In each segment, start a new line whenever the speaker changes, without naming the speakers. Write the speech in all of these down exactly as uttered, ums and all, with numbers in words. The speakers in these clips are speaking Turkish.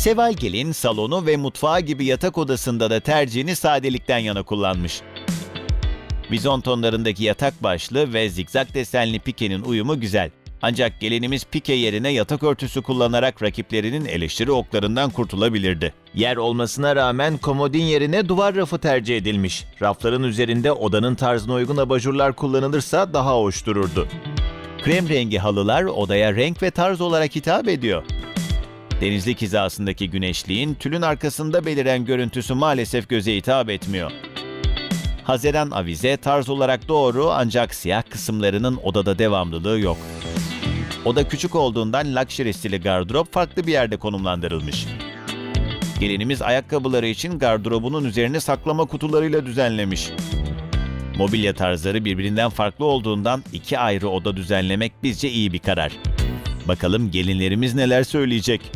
Seval Gelin salonu ve mutfağı gibi yatak odasında da tercihini sadelikten yana kullanmış. Bizon tonlarındaki yatak başlığı ve zigzag desenli pikenin uyumu güzel. Ancak gelinimiz pike yerine yatak örtüsü kullanarak rakiplerinin eleştiri oklarından kurtulabilirdi. Yer olmasına rağmen komodin yerine duvar rafı tercih edilmiş. Rafların üzerinde odanın tarzına uygun abajurlar kullanılırsa daha hoş dururdu. Krem rengi halılar odaya renk ve tarz olarak hitap ediyor. Denizlik hizasındaki güneşliğin tülün arkasında beliren görüntüsü maalesef göze hitap etmiyor. Haziran avize tarz olarak doğru ancak siyah kısımlarının odada devamlılığı yok. Oda küçük olduğundan luxury stili gardırop farklı bir yerde konumlandırılmış. Gelinimiz ayakkabıları için gardırobunun üzerini saklama kutularıyla düzenlemiş. Mobilya tarzları birbirinden farklı olduğundan iki ayrı oda düzenlemek bizce iyi bir karar. Bakalım gelinlerimiz neler söyleyecek?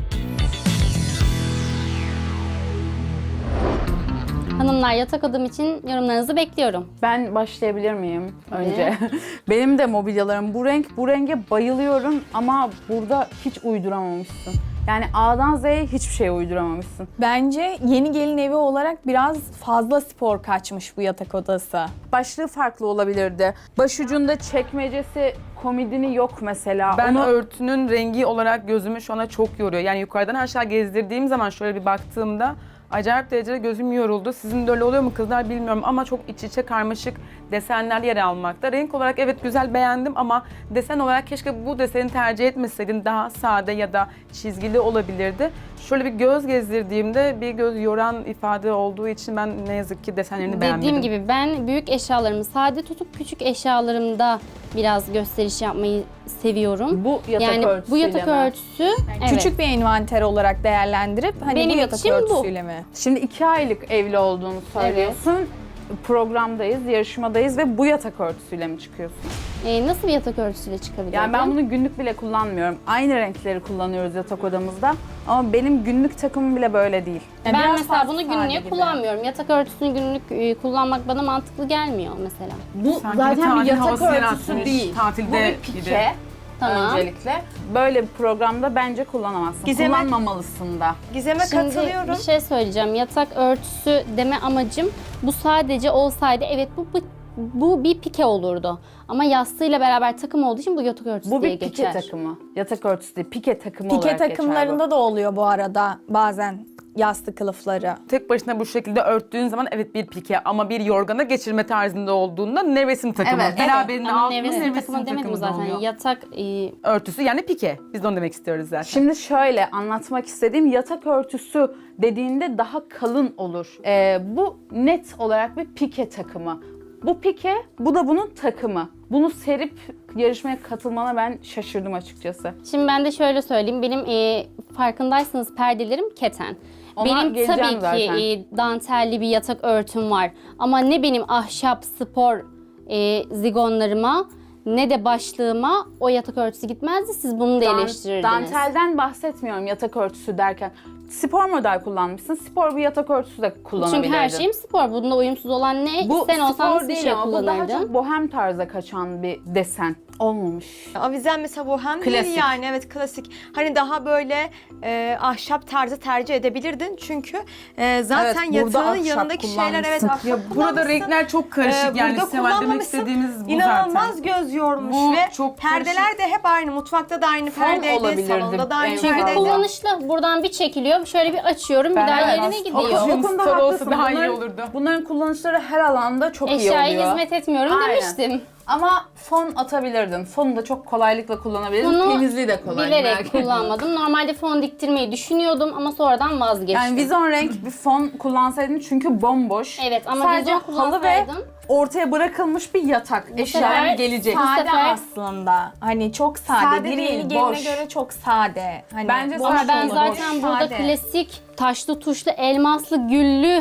Hanımlar, yatak odam için yorumlarınızı bekliyorum.
Ben başlayabilir miyim önce? Benim de mobilyalarım bu renk. Bu renge bayılıyorum ama burada hiç uyduramamışsın. Yani A'dan Z'ye hiçbir şey uyduramamışsın.
Bence yeni gelin evi olarak biraz fazla spor kaçmış bu yatak odası.
Başlığı farklı olabilirdi. Başucunda çekmecesi, komodini yok mesela.
Ben
Onu...
örtünün rengi olarak gözümü şu ana çok yoruyor. Yani yukarıdan aşağı gezdirdiğim zaman şöyle bir baktığımda acayip derecede gözüm yoruldu. Sizin de öyle oluyor mu kızlar bilmiyorum ama çok iç içe karmaşık desenler yer almakta. Renk olarak evet güzel, beğendim ama desen olarak keşke bu deseni tercih etmeseydin, daha sade ya da çizgili olabilirdi. Şöyle bir göz gezdirdiğimde bir göz yoran ifade olduğu için ben ne yazık ki desenlerini beğenmedim.
Dediğim gibi ben büyük eşyalarımı sade tutup küçük eşyalarımda biraz gösteriş yapmayı seviyorum.
Bu yatak
yani bu
örtüsüyle
yatak
mi?
örtüsü evet.
Küçük bir envanter olarak değerlendirip hani
Benim
bu yatak
için bu.
örtüsüyle mi?
Şimdi iki aylık evli olduğunu söylüyorsun. Programdayız, yarışmadayız ve bu yatak örtüsüyle mi çıkıyorsun?
Ee, nasıl bir yatak örtüsüyle çıkabilirim?
Yani ben bunu günlük bile kullanmıyorum. Aynı renkleri kullanıyoruz yatak odamızda. Ama benim günlük takımım bile böyle değil.
Yani
ben
biraz
mesela
fazla
bunu
sade
günlüğe
gibi.
kullanmıyorum. Yatak örtüsünü günlük e, kullanmak bana mantıklı gelmiyor mesela.
Bu
Sanki
zaten bir
tatil
yatak
havası
örtüsü
yaratmış,
değil.
tatilde
Bu bir
gibi.
pike.
Tamam.
Öncelikle. Böyle bir programda bence kullanamazsın.
Gizem'e-
Kullanmamalısın da.
Gizem'e
Şimdi
katılıyorum.
bir şey söyleyeceğim. Yatak örtüsü deme amacım bu sadece olsaydı evet bu, bu bu bir pike olurdu. Ama yastığıyla beraber takım olduğu için bu yatak örtüsü
Bu
diye
bir pike
geçer.
takımı. Yatak örtüsü değil, pike takımı
Pike
olarak
takımlarında da oluyor bu arada bazen yastık kılıfları.
Tek başına bu şekilde örttüğün zaman evet bir pike ama bir yorgana geçirme tarzında olduğunda nevresim takımı.
Evet,
Beraberinde
Ama
altında
nevresim
nevresim
takımı demedim
takımı da
zaten.
oluyor.
Yatak e,
Örtüsü yani pike. Biz de onu demek istiyoruz zaten.
Şimdi şöyle anlatmak istediğim yatak örtüsü dediğinde daha kalın olur. Ee, bu net olarak bir pike takımı. Bu pike, bu da bunun takımı. Bunu serip yarışmaya katılmana ben şaşırdım açıkçası.
Şimdi ben de şöyle söyleyeyim. Benim e, farkındaysanız perdelerim keten.
Ona
Benim
geleceğim
tabii
zaten.
ki e, dantelli bir yatak örtüm var. Ama ne benim ahşap spor e, zigonlarıma ne de başlığıma o yatak örtüsü gitmezdi. Siz bunu da
Dan-
eleştirirdiniz.
Dantelden bahsetmiyorum yatak örtüsü derken. Spor model kullanmışsın. Spor bir yatak örtüsü de kullanabilirdin.
Çünkü her şeyim spor. Bunda uyumsuz olan ne?
bu
Sen olsan
spor
nasıl bir
değil
şey
ama bu daha
kullanırdın?
çok bohem tarza kaçan bir desen. Olmamış.
Avizen mesela bohem değil
Klasik.
yani, evet klasik. Hani daha böyle e, ahşap tarzı tercih edebilirdin çünkü e, zaten
Evet, burada
yatağının
ahşap
yanındaki şeyler evet
kullanmışsın.
ahşap
Ya burada
kullanmışsın.
renkler çok karışık
Ee,
yani
burada
Seval demek
kullanmamışsın.
istediğimiz bu
İnanılmaz
zaten.
göz yormuş
Bu
ve
çok
perdeler de hep aynı. Mutfakta da aynı
Fon
perdeydi,
olabilirdi.
salonda da aynı
En
Çünkü
fazla.
perdeydi.
kullanışlı. Buradan bir çekiliyor. Şöyle bir açıyorum. Bir daha
Evet.
yerine
O-
gidiyor.
O konuda
Spor olsa
haklısın.
daha iyi
Bunların-
olurdu.
Bunların kullanışları her alanda çok iyi
Eşyaya
oluyor.
hizmet etmiyorum
Aynen.
demiştim.
Ama fon atabilirdin. Fonu da çok kolaylıkla kullanabilirdin.
Bunu
Temizliği de kolay. merak
bilerek
etme.
kullanmadım. Normalde fon diktirmeyi düşünüyordum ama sonradan vazgeçtim.
Yani vizon renk bir fon kullansaydın çünkü bomboş.
Evet ama
Sadece
vizon
halı ve
kullansaydım
ortaya bırakılmış bir yatak. Eşya
sefer
gelecek.
Bu
Sade
sefer-
aslında. Hani çok sade.
Sade
bir
değil,
yeni geline
boş.
göre çok sade. Hani
Bence
boş
ama
sade
ben
olur.
zaten
boş,
burada
sade.
klasik taşlı tuşlu elmaslı güllü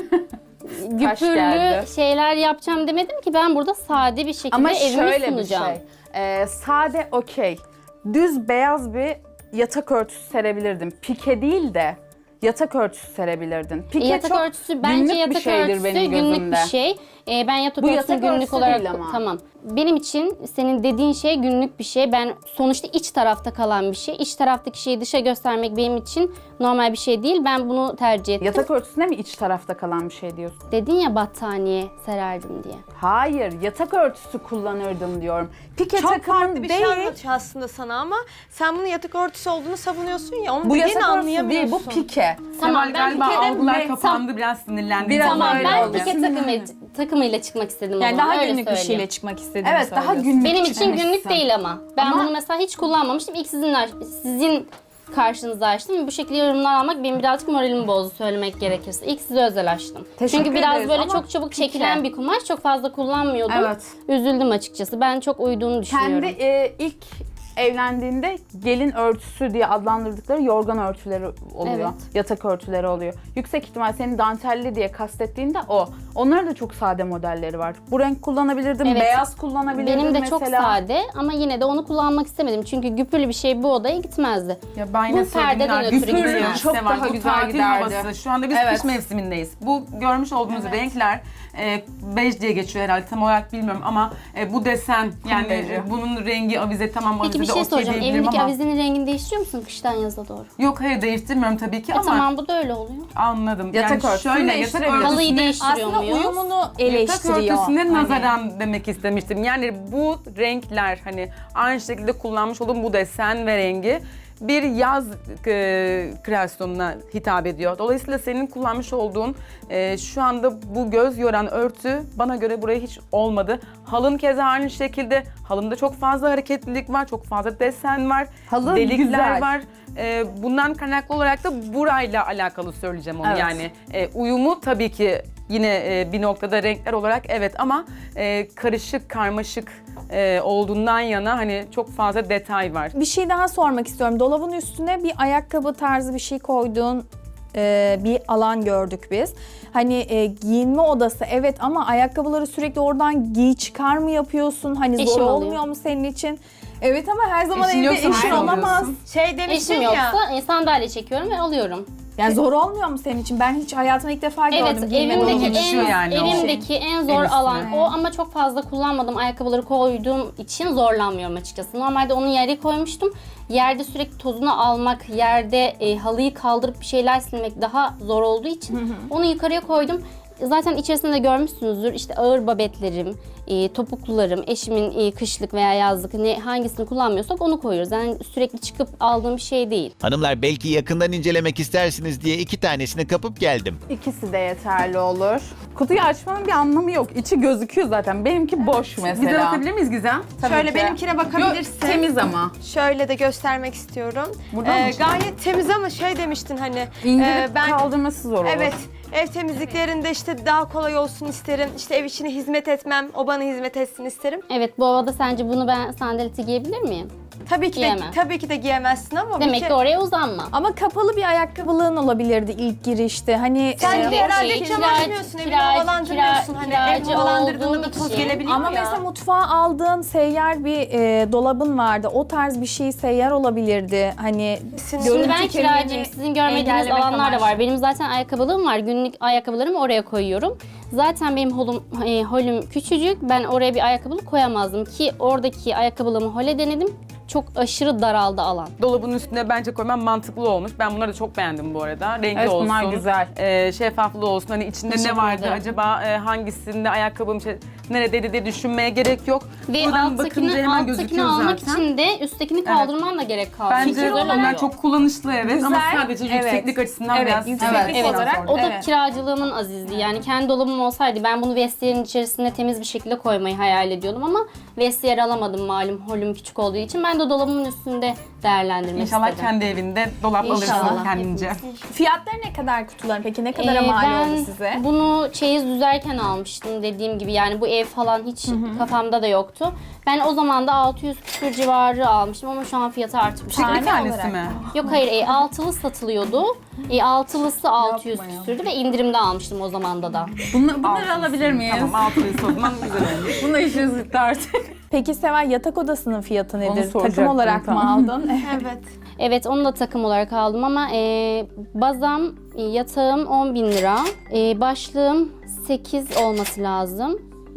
güpürlü
geldi.
şeyler yapacağım demedim ki, ben burada sade bir şekilde
Ama
evimi
şöyle bir
sunacağım.
şey. Ee, sade okey. Düz beyaz bir yatak örtüsü serebilirdin. Pike değil de yatak örtüsü serebilirdin. Pike
yatak
çok
örtüsü bence
günlük
yatak
bir şeydir
örtüsü
benim
günlük
gözümde.
bir şey. Ee, ben yatak
Bu
örtüsünü
yatak
günlük
örtüsü
olarak
değil ama.
tamam. benim için senin dediğin şey günlük bir şey. Ben sonuçta iç tarafta kalan bir şey. İç taraftaki şeyi dışa göstermek benim için normal bir şey değil. Ben bunu tercih ettim.
Yatak örtüsüne mi iç tarafta kalan bir şey diyorsun?
Dedin ya battaniye sererdim diye.
Hayır, yatak örtüsü kullanırdım diyorum. Pike
Çok
takımın
farklı bir
değil.
şey anlatıyor aslında sana ama sen bunu yatak örtüsü olduğunu savunuyorsun ya. Onu
Bu
dediğini
yatak örtüsü
anlayamıyorsun.
değil, bu pike.
Tamam,
Seval
ben
galiba
Pike'de
algılar
me-
kapandı, biraz sinirlendim.
Biraz
Tamam
öyle
ben
oldu.
pike takımı, takımıyla çıkmak istedim
Yani
o zaman.
daha
öyle
günlük bir
söyleyeyim.
şeyle çıkmak istediğini
Evet, daha
söylüyorsun.
günlük
Benim için
çıkmışsın.
günlük değil ama. Ben
Ama-
bunu mesela hiç kullanmamıştım. İlk sizin, sizin karşınıza açtım. Bu şekilde yorumlar almak benim birazcık moralimi bozdu söylemek gerekirse. İlk size özel açtım.
Teşekkür
Çünkü biraz
ederiz
böyle
ama
çok çabuk
pike.
çekilen bir kumaş. Çok fazla kullanmıyordum.
Evet.
Üzüldüm açıkçası. Ben çok uyduğunu düşünüyorum.
Kendi e, ilk evlendiğinde gelin örtüsü diye adlandırdıkları yorgan örtüleri oluyor.
Evet.
Yatak örtüleri oluyor. Yüksek ihtimal senin dantelli diye kastettiğinde o. Onların da çok sade modelleri var. Bu renk kullanabilirdim,
Evet.
beyaz kullanabilirdim
Benim de
mesela.
çok sade ama yine de onu kullanmak istemedim. Çünkü güpürlü bir şey bu odaya gitmezdi.
Ya ben yine
Bu perdeden
söylediğim
ötürü
gibi
gitmez.
ya,
Çok
Seval,
daha
bu
güzel
tatil
giderdi.
havası. Şu anda biz
Evet.
kış mevsimindeyiz. Bu görmüş olduğunuz renkler e, bej diye geçiyor herhalde, tam olarak bilmiyorum ama e, bu desen yani
beji.
e, bunun rengi avize, tamam
Peki
avizede
bir şey
okey
soracağım.
diyebilirim
Evindeki
ama
avizenin rengini değiştiriyor musun kıştan yaza doğru?
yok, hayır değiştirmiyorum tabii ki
E
ama
tamam bu da öyle oluyor.
anladım.
Yatak
yani
örtüsünü
şöyle yatak
değiştirebiliriz.
Halıyı
örtüsüne
değiştiriyor
Aslında
muyuz?
uyumunu
Yatak
eleştiriyor.
örtüsüne
Hani-
nazaran demek istemiştim. Yani bu renkler, hani aynı şekilde kullanmış olduğum bu desen ve rengi bir yaz e, kreasyonuna hitap ediyor. Dolayısıyla senin kullanmış olduğun e, şu anda bu göz yoran örtü bana göre buraya hiç olmadı. Halın keza aynı şekilde. Halımda çok fazla hareketlilik var, çok fazla desen var,
Halı
delikler
güzel.
var. E, bundan kaynaklı olarak da burayla alakalı söyleyeceğim onu.
Evet.
Yani e, uyumu tabii ki yine e, bir noktada renkler olarak evet ama e, karışık, karmaşık e, olduğundan yana hani çok fazla detay var.
Bir şey daha sormak istiyorum. Dolabın üstüne bir ayakkabı tarzı bir şey koyduğun e, bir alan gördük biz. Hani e, giyinme odası evet ama ayakkabıları sürekli oradan giy çıkar mı yapıyorsun? Hani zor
Eşim alıyor.
olmuyor mu senin için? Evet ama her zaman
Eşin
evde
yoksa
eşin
nerede
olamaz.
alıyorsun?
Şey demiştin
Eşim
ya.
yoksa e, sandalye çekiyorum ve alıyorum.
Yani zor olmuyor mu senin için? Ben hiç hayatımda ilk defa gördüm.
Evet,
giyinme
evimdeki
dolabını.
düşüyor
en,
yani o
evimdeki en zor
el üstüne.
alan o ama çok fazla kullanmadım ayakkabıları koyduğum için zorlanmıyorum açıkçası. Normalde onu yere koymuştum. Yerde sürekli tozunu almak, yerde e, halıyı kaldırıp bir şeyler silmek daha zor olduğu için onu yukarıya koydum. Zaten içerisinde de görmüşsünüzdür işte ağır babetlerim, e, topuklularım, eşimin e, kışlık veya yazlık ne hangisini kullanmıyorsak onu koyuyoruz. Yani sürekli çıkıp aldığım bir şey değil.
Hanımlar belki yakından incelemek istersiniz diye iki tanesini kapıp geldim.
İkisi de yeterli olur. Kutuyu açmanın bir anlamı yok. İçi gözüküyor zaten. Benimki boş mesela.
Bize bakabilir miyiz Gizem?
Tabii
Şöyle
ki.
benimkine bakabilirsin.
Yok, temiz ama.
Şöyle de göstermek istiyorum.
Buradan mı
Ee, gayet temiz ama şey demiştin hani.
İndirip
e, ben
kaldırması zor olur.
evet ev temizliklerinde işte daha kolay olsun isterim. İşte ev içine hizmet etmem, o bana hizmet etsin isterim.
Evet bu havada sence bunu ben sandaleti giyebilir miyim?
Tabii ki de
Giyemem.
tabii ki de giyemezsin ama bir
Demek
ke-
ki oraya uzanma.
Ama kapalı bir ayakkabılığın olabilirdi ilk girişte. Hani
Sen
e,
de herhalde
şey,
cam
kiracı-
açmıyorsun, evini
kiracı-
havalandırmıyorsun.
kira-
Hani
kiracı
ev havalandırdığında
olduğum
da toz
için.
gelebiliyor
Ama
ya.
mesela mutfağa aldığın seyyar bir e, dolabın vardı. O tarz bir şey seyyar olabilirdi. Hani
Şimdi
Şimdi ben
görüntü
kiracıyım.
kirliliğini
Sizin görmediğiniz
engellemek
alanlar da
amaçlı.
var. Benim zaten ayakkabılığım var. Günlük ayakkabılarımı oraya koyuyorum. Zaten benim holum, e, holüm küçücük. Ben oraya bir ayakkabılık koyamazdım ki oradaki ayakkabılığımı hole denedim. Çok aşırı daraldı alan.
Dolabın üstüne bence koymam mantıklı olmuş. Ben bunları da çok beğendim bu arada. Rengi
Evet,
olsun.
bunlar güzel.
e, şeffaflığı olsun. Hani içinde
Teşekkür
ne vardı
ederim.
acaba, e, hangisinde ayakkabım şey, neredeydi diye düşünmeye gerek yok.
Ve
Buradan bakınca
alttakini,
hemen
alttakini
gözüküyor
almak
zaten.
için de üsttekini kaldırman da gerek kaldı.
Bence
Güzel
onlar
oluyor.
çok kullanışlı evet ama
Güzel,
sadece
evet.
yükseklik açısından
Evet,
biraz
yükseklik
evet,
Evet,
olarak
o da
Evet.
kiracılığımın azizliği. Yani kendi dolabım olsaydı ben bunu vestiyerin içerisinde temiz bir şekilde koymayı hayal ediyordum ama vestiyer alamadım malum holüm küçük olduğu için. Ben de dolabımın üstünde değerlendirmek
İnşallah
istedim.
kendi evinde dolap alırsın
İnşallah.
kendince.
fiyatları ne kadar kutuların peki? Ne kadara
Ee,
mal
ben
oldu size?
bunu çeyiz düzerken almıştım dediğim gibi. Yani bu ev falan hiç kafamda da yoktu. Ben o zaman da altı yüz küsur civarı almıştım ama şu an fiyatı artmış.
Bir
Tane
tanesi
olarak
mi?
Yok hayır e, altılı satılıyordu. E, altılısı altı yüz küsürdü ve indirimde almıştım o zamanda da.
Bunu, bunları alabilir miyiz?
Tamam, altılıysa o zaman güzel olmuş.
Bununla işiniz bitti artık.
Peki Seval yatak odasının fiyatı nedir? Takım
soracaktım,
olarak
tamam.
mı aldın?
Evet.
Evet onu da takım olarak aldım ama e, bazam, e, yatağım on bin lira. E, başlığım sekiz olması lazım.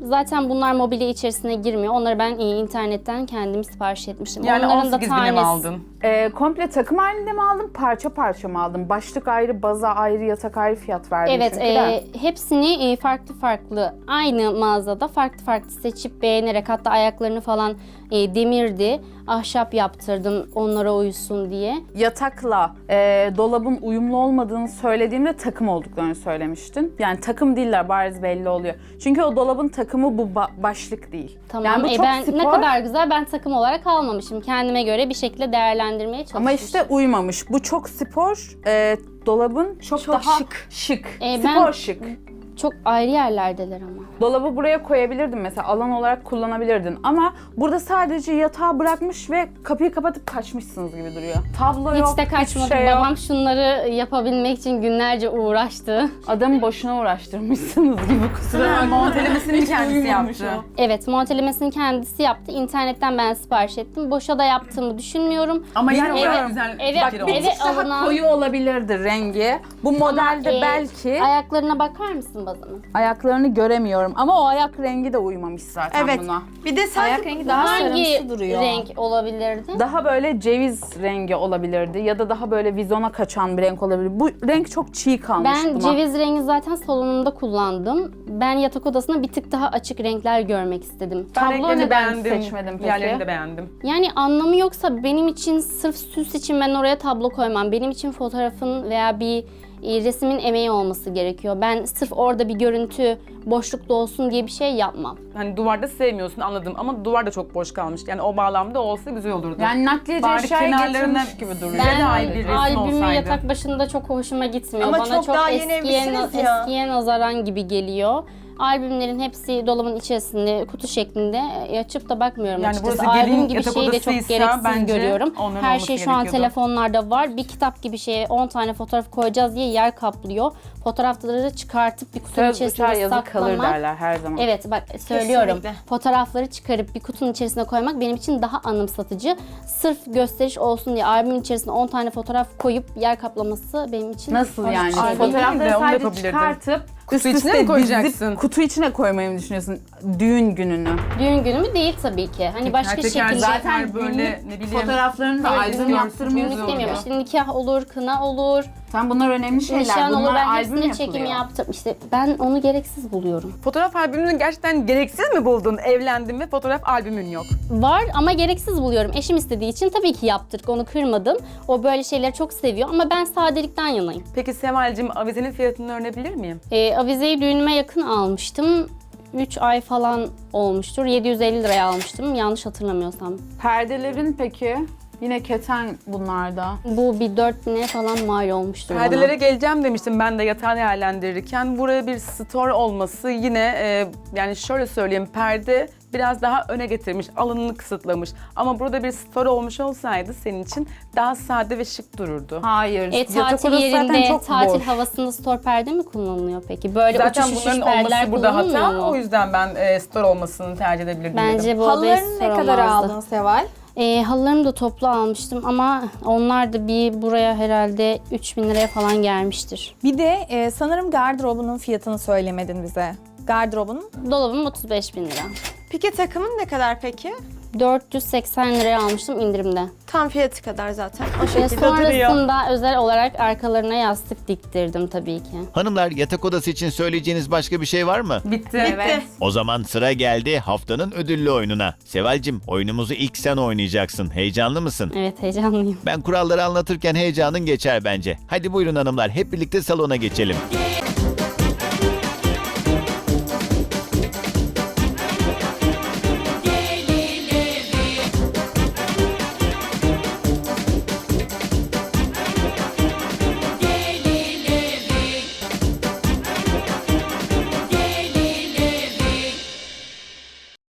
Zaten bunlar mobilya içerisine girmiyor. Onları ben e, internetten kendim sipariş etmiştim.
Yani
Onların
on
da
sekiz bine mi
tanesi-
aldın?
Ee, komple takım halinde mi aldın, parça parça mı aldın? Başlık ayrı, baza ayrı, yatak ayrı fiyat verdin
Evet,
çünkü
e,
de.
hepsini e, farklı farklı aynı mağazada farklı farklı seçip beğenerek, hatta ayaklarını falan e, demirdi, ahşap yaptırdım onlara uysun diye.
Yatakla e, dolabın uyumlu olmadığını söylediğimde takım olduklarını söylemiştin. Yani takım değiller, bariz belli oluyor. Çünkü o dolabın takımı bu ba- başlık değil.
Tamam.
Yani bu
E,
çok
ben
spor
ne kadar güzel, ben takım olarak almamışım. Kendime göre bir şekilde değerlendirmeye çalışmışım.
ama işte uymamış. Bu çok spor, e, dolabın çok,
Çok
daha
şık.
şık.
E,
spor
ben-
şık.
çok ayrı yerlerdeler ama.
Dolabı buraya koyabilirdin mesela, alan olarak kullanabilirdin ama burada sadece yatağı bırakmış ve kapıyı kapatıp kaçmışsınız gibi duruyor. Tablo yok,
Hiç de
hiçbir
kaçmadım.
şey yok.
Babam şunları yapabilmek için günlerce uğraştı.
Adamı boşuna uğraştırmışsınız gibi, kusura bakma.
Montelemesini
Hiç
kendisi
uyumamış
yaptı.
o.
Evet, montelemesini kendisi yaptı. İnternetten ben sipariş ettim. Boşa da yaptığımı düşünmüyorum.
Ama yine
Yani
o kadar
eve-
güzel
eve-
fikir
eve-
olmuş.
Bir tık daha
alınan-
koyu olabilirdi rengi. Bu modelde
Ama, e,
belki
Ayaklarına bakar mısın bazanın?
ayaklarını göremiyorum ama o ayak rengi de uymamış zaten
Evet.
buna.
Bir de sanki
Ayak rengi daha
Hangi
sarımsı duruyor.
renk olabilirdi?
Daha böyle ceviz rengi olabilirdi ya da daha böyle vizona kaçan bir renk olabilir. Bu renk çok çiğ kalmış
Ben
buna.
ceviz rengi zaten salonumda kullandım. Ben yatak odasına bir tık daha açık renkler görmek istedim.
Ben
Tablo
renklerini
neden
beğendim.
seçmedin peki?
Diğerlerini de beğendim.
Yani anlamı yoksa benim için, sırf süs için ben oraya tablo koymam. Benim için fotoğrafın veya bir e, resmin emeği olması gerekiyor. Ben sırf orada bir görüntü boşlukta olsun diye bir şey yapmam.
Hani duvarda sevmiyorsun anladım ama duvar da çok boş kalmış. Yani o bağlamda olsa güzel olurdu.
Yani nakliyeci
Bari
eşyaya
kenarlarına
getirmiş gibi duruyor.
Ben- de ayrı bir
Ben
resim
albümü
olsaydı.
yatak başında çok hoşuma gitmiyor.
Ama
Bana
çok
çok,
daha yeni
eskiye,
evlisiniz ya.
eskiye nazaran gibi geliyor. Albümlerin hepsi dolabın içerisinde, kutu şeklinde. E, açıp da bakmıyorum
Yani
açıkçası.
burası gelin
Albüm gibi
yatak
şeyi de çok
odasıysa
gereksiz
bence
görüyorum.
onların
Her
olması
şey şu an
gerekiyordu.
telefonlarda var. Bir kitap gibi şeye on tane fotoğraf koyacağız diye yer kaplıyor. Fotoğrafları çıkartıp bir kutunun
Söz uçar
içerisine
yazı kalır
saklamak.
derler her zaman.
Evet bak söylüyorum.
Kesinlikle.
Fotoğrafları çıkarıp bir kutunun içerisine koymak benim için daha anımsatıcı. Sırf gösteriş olsun diye albümün içerisine on tane fotoğraf koyup yer kaplaması benim için
Nasıl
hoş
yani?
bir şey değil.
Fotoğrafları
değil de onu da
sadece
yapabilirdin.
çıkartıp
Kutu
üst
içine
üste
mi
dizip
koyacaksın?
kutu içine koymayı mı düşünüyorsun? Düğün gününü.
Düğün günü mü değil tabii ki. Hani başka
Teker teker
şekilde.
zaten böyle ne bileyim.
Fotoğraflarını da
Albüm
albüm
görsün,
yaptırmıyorsun.
Düğün
Güzel
istemiyorum.
oluyor.
İşte nikah olur, kına olur,
Sen bunlar önemli şeyler.
nişan olur.
Bunlar
Ben
albüm
hepsine çekim
yapılıyor.
yaptım. İşte ben onu gereksiz buluyorum.
Fotoğraf albümünü gerçekten gereksiz mi buldun? Evlendin ve fotoğraf albümün yok.
Var ama gereksiz buluyorum. Eşim istediği için tabii ki yaptırdık. Onu kırmadım. O böyle şeyleri çok seviyor ama ben sadelikten yanayım.
Peki Seval'cim avizenin fiyatını öğrenebilir miyim?
Ee, avizeyi düğünüme yakın almıştım. üç ay falan olmuştur. yedi yüz elli liraya almıştım. Yanlış hatırlamıyorsam.
Perdelerin peki? Yine keten bunlarda.
Bu bir dört bine falan mal olmuştur
Perdelere
bana.
geleceğim demiştim ben de yatağı değerlendirirken. Buraya bir store olması yine e, yani şöyle söyleyeyim, perde biraz daha öne getirmiş, alanını kısıtlamış. Ama burada bir store olmuş olsaydı senin için daha sade ve şık dururdu.
Hayır.
E,
yatak
tatil
odası zaten
yerinde,
çok
tatil
boş.
havasında store perde mi kullanılıyor peki? Böyle
Zaten
uçuş uçuş
bunların
perdeler
olması burada
kullanılmıyor
hata.
mu?
O yüzden ben e, store olmasını tercih edebilirdim dedim.
Bence bu odaya
Halılarını
store
ne kadar
olmazdı.
aldın Seval?
E, halılarımı da toplu almıştım ama onlar da bir buraya herhalde üç bin liraya falan gelmiştir.
Bir de e, sanırım gardırobunun fiyatını söylemedin bize. Gardırobunun
Dolabım otuz beş bin lira.
pike takımın ne kadar peki?
dört yüz seksen liraya almıştım indirimde.
Tam fiyatı kadar zaten. O
Ve
şekilde.
sonrasında özel olarak arkalarına yastık diktirdim tabii ki.
Hanımlar, yatak odası için söyleyeceğiniz başka bir şey var mı?
Bitti.
Bitti.
O zaman sıra geldi haftanın ödüllü oyununa. Seval'cim, oyunumuzu ilk sen oynayacaksın. Heyecanlı mısın?
Evet heyecanlıyım.
Ben kuralları anlatırken heyecanın geçer bence. Hadi buyurun hanımlar, hep birlikte salona geçelim.